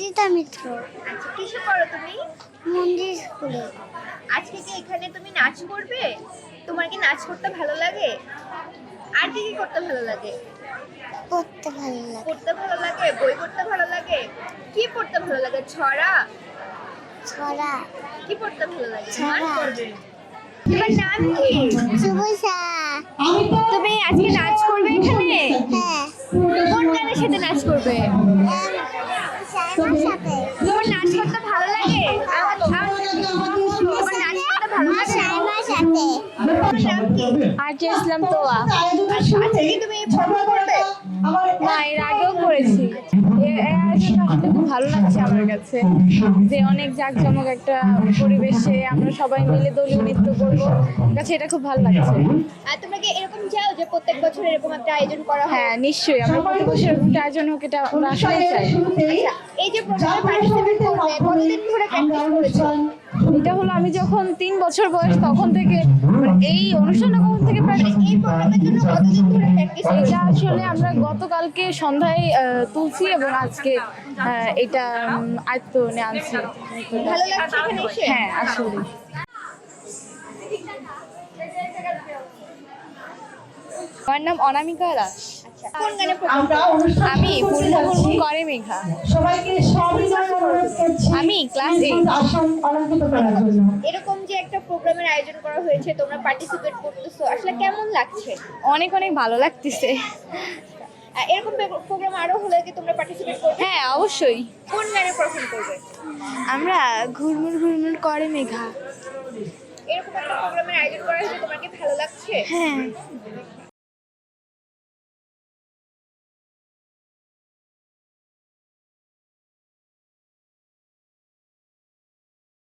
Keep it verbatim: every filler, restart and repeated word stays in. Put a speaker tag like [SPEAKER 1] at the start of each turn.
[SPEAKER 1] সঞ্জিতা মিত্র।
[SPEAKER 2] আচ্ছা, কিসে পড়ো তুমি?
[SPEAKER 1] মন্দির স্কুলে।
[SPEAKER 2] আজকে কি এখানে তুমি নাচ করবে? তোমার কি নাচ করতে ভালো লাগে? আর কি কি করতে ভালো লাগে?
[SPEAKER 1] পড়তে ভালো লাগে।
[SPEAKER 2] পড়তে ভালো লাগে, বই পড়তে ভালো লাগে। কি পড়তে ভালো লাগে? ছড়া?
[SPEAKER 1] ছড়া।
[SPEAKER 2] কি পড়তে ভালো লাগে?
[SPEAKER 1] ছড়া।
[SPEAKER 2] তোমার নাম কি?
[SPEAKER 1] সুবসা।
[SPEAKER 2] তুমি আজকে নাচ করবে এখানে?
[SPEAKER 1] হ্যাঁ।
[SPEAKER 2] কোন গানের সাথে নাচ করবে?
[SPEAKER 1] সাইমার সাথে।
[SPEAKER 2] তোমার নাচ করতে ভালো লাগে? তোমার নাচ করতে ভালো লাগে?
[SPEAKER 1] সাইমার সাথে।
[SPEAKER 2] তোমার নাম কি?
[SPEAKER 3] আরজে ইসলাম তোয়া।
[SPEAKER 2] আচ্ছা, আজকে কি তুমি পারফর্ম করবে?
[SPEAKER 3] না, এর আগেও করেছি। এর এর আয়োজনটা আসলে খুব ভালো লাগছে আমার কাছে, যে অনেক জাঁকজমক একটা পরিবেশে আমরা সবাই মিলে দলীয় নৃত্য করবো। আমার কাছে এটা খুব ভালো লাগছে।
[SPEAKER 2] আর তোমরা কি এরকম চাও যে প্রত্যেক বছর এরকম একটা আয়োজন করা হয়?
[SPEAKER 3] হ্যাঁ, নিশ্চয়ই আমরা প্রতি বছর এরকম একটা আয়োজন হোক, এটা আমরা আসলে চাই।
[SPEAKER 2] আচ্ছা, এই যে প্রোগ্রামে পার্টিসিপেট করবে, কতদিন ধরে প্র্যাকটিস করেছো?
[SPEAKER 3] এটা হলো আমি যখন তিন বছর বয়স তখন থেকে, মানে এই অনুষ্ঠানটা কখন থেকে প্র্যাকটিস।
[SPEAKER 2] এই প্রোগ্রামের জন্য কতদিন ধরে প্র্যাকটিস করেছো?
[SPEAKER 3] এটা আসলে আমরা গতকালকে সন্ধ্যায় আহ, তুলছি এবং আজকে আহ, এটা উম, আয়ত্ত নিয়ে আনছি।
[SPEAKER 2] ভালো লাগছে এখানে এসে?
[SPEAKER 3] হ্যাঁ, আসলে আমার নাম অনামিকা দাস।
[SPEAKER 2] আচ্ছা, কোন গানে
[SPEAKER 4] আমরা অনুষ্ঠান
[SPEAKER 3] আমি
[SPEAKER 4] শুরু করতে
[SPEAKER 3] ফুলমুকুর
[SPEAKER 4] যাচ্ছি।
[SPEAKER 3] করে মেঘা।
[SPEAKER 4] সবাইকে সবিনয় অনুরোধ করছি
[SPEAKER 3] আমি ক্লাস
[SPEAKER 4] নিজ
[SPEAKER 3] এইট।
[SPEAKER 4] নিজ আসন অলঙ্কৃত করার জন্য।
[SPEAKER 2] এরকম যে একটা প্রোগ্রামের আয়োজন করা হয়েছে, তোমরা পার্টিসিপেট করতেছো, আসলে কেমন লাগছে?
[SPEAKER 3] অনেক অনেক ভালো লাগতেছে।
[SPEAKER 2] আর এরকম প্রোগ্রাম আরো হলে কি তোমরা পার্টিসিপেট করবে?
[SPEAKER 3] হ্যাঁ, অবশ্যই।
[SPEAKER 2] কোন গানে পারফর্ম করবে?
[SPEAKER 3] আমরা ঘুরমুর ঘুরমুর করে মেঘা।
[SPEAKER 2] এরকম একটা প্রোগ্রামের আয়োজন করা হয়েছে, তোমার কি ভালো লাগছে?
[SPEAKER 3] হ্যাঁ।